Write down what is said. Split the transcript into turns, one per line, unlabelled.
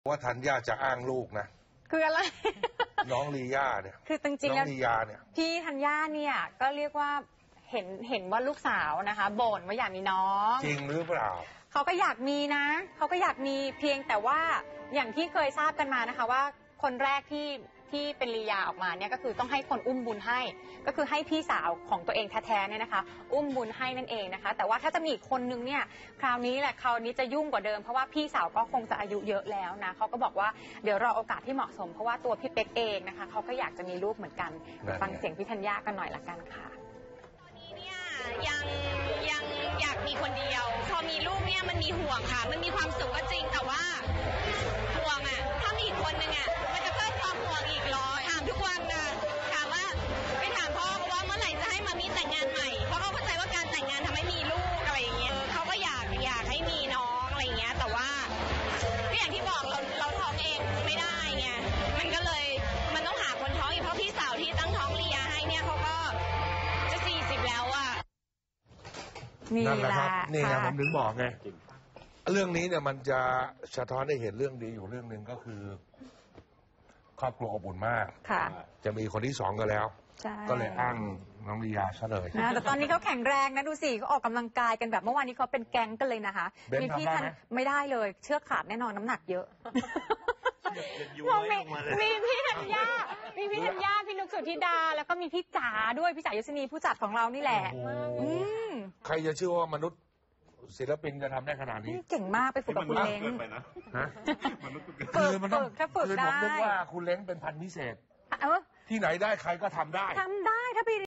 ว่าธัญญาจะอ้างลูกนะ
คืออะไร
น้องลีย่าเนี่ย
คือจริงๆแล้ว
ลียาเนี่ย
พี่ธัญญาเนี่ยก็เรียกว่าเห็นว่าลูกสาวนะคะบ่นว่าอยากมีน้อง
จริงหรือเปล่า
เขาก็อยากมีนะเขาก็อยากมีเพียงแต่ว่าอย่างที่เคยทราบกันมานะคะว่าคนแรกที่เป็นลียาออกมาเนี่ยก็คือต้องให้คนอุ้มบุญให้ก็คือให้พี่สาวของตัวเองแท้ๆเนี่ยนะคะอุ้มบุญให้นั่นเองนะคะแต่ว่าถ้าจะมีอีกคนนึงเนี่ยคราวนี้จะยุ่งกว่าเดิมเพราะว่าพี่สาวก็คงจะอายุเยอะแล้วนะเขาก็บอกว่าเดี๋ยวรอโอกาสที่เหมาะสมเพราะว่าตัวพี่เป๊กเองนะคะเขาก็อยากจะมีลูกเหมือนกันฟังเสียงพี่ธัญญากันหน่อยละกันค่ะ
ตอนนี้เนี่ยยังอยากมีคนเดียวพอมีลูกเนี่ยมันมีห่วงค่ะมันมีความสุขก็จริงแต่ว่าห่วงอ่ะถ้ามีอีกคนนึงอ่ะมันจะเพิ่มความห่วงอีกถามทุกวันนะถามว่าไปถามพ่อว่าเมื่อไหร่จะให้มามีแต่งงานใหม่เพราะเขาเข้าใจว่าการแต่งงานทำให้มีลูกอะไรอย่างเงี้ยเขาก็อยากให้มีน้องอะไรอย่างเงี้ยแต่ว่าก็อย่างที่บอกเราท้องเองไม่ได้ไงมันก็เลยมันต้องหาคนท้องอีกเพราะพี่สาวที่ตั้งท้องลียาให้เนี่ยเขาก็จะ40แล้วอ่ะ
นี่แหละ
นี่ไงผมถึงบอกไงเรื่องนี้เนี่ยมันจะสะท้อนให้เห็นเรื่องดีอยู่เรื่องหนึ่งก็คือครอบครัวอบอุ่นมากจะมีคนที่2ก็แล้วก็เลยอ้างน้องลียาซะเลย
นะแต่ตอนนี้เขาแข็งแรงนะดูสิเขาออกกำลังกายกันแบบเมื่อวานนี้เขาเป็นแก๊งกันเลยนะคะ
มีพี่ทัน
ไม่ได้เลยเชือกขาดแน่นอนน้ำหนักเยอะมีพี่ธัญญาพี่นุกสุธิดาแล้วก็มีพี่จ๋าด้วยพี่จ๋ายศนีผู้จัดของเรานี่แหละ
ใครจะเชื่อว่ามนุษย์ศิลปินจะทำได้ขนาดนี้
เก่งมากไปฝึกกับคุณเล้ง
คือมันต้องคือผมนึกว่าคุณเล้งเป็นพันธุ์พิเศษที่ไหนได้ใครก็ทำได้
ถ้าไป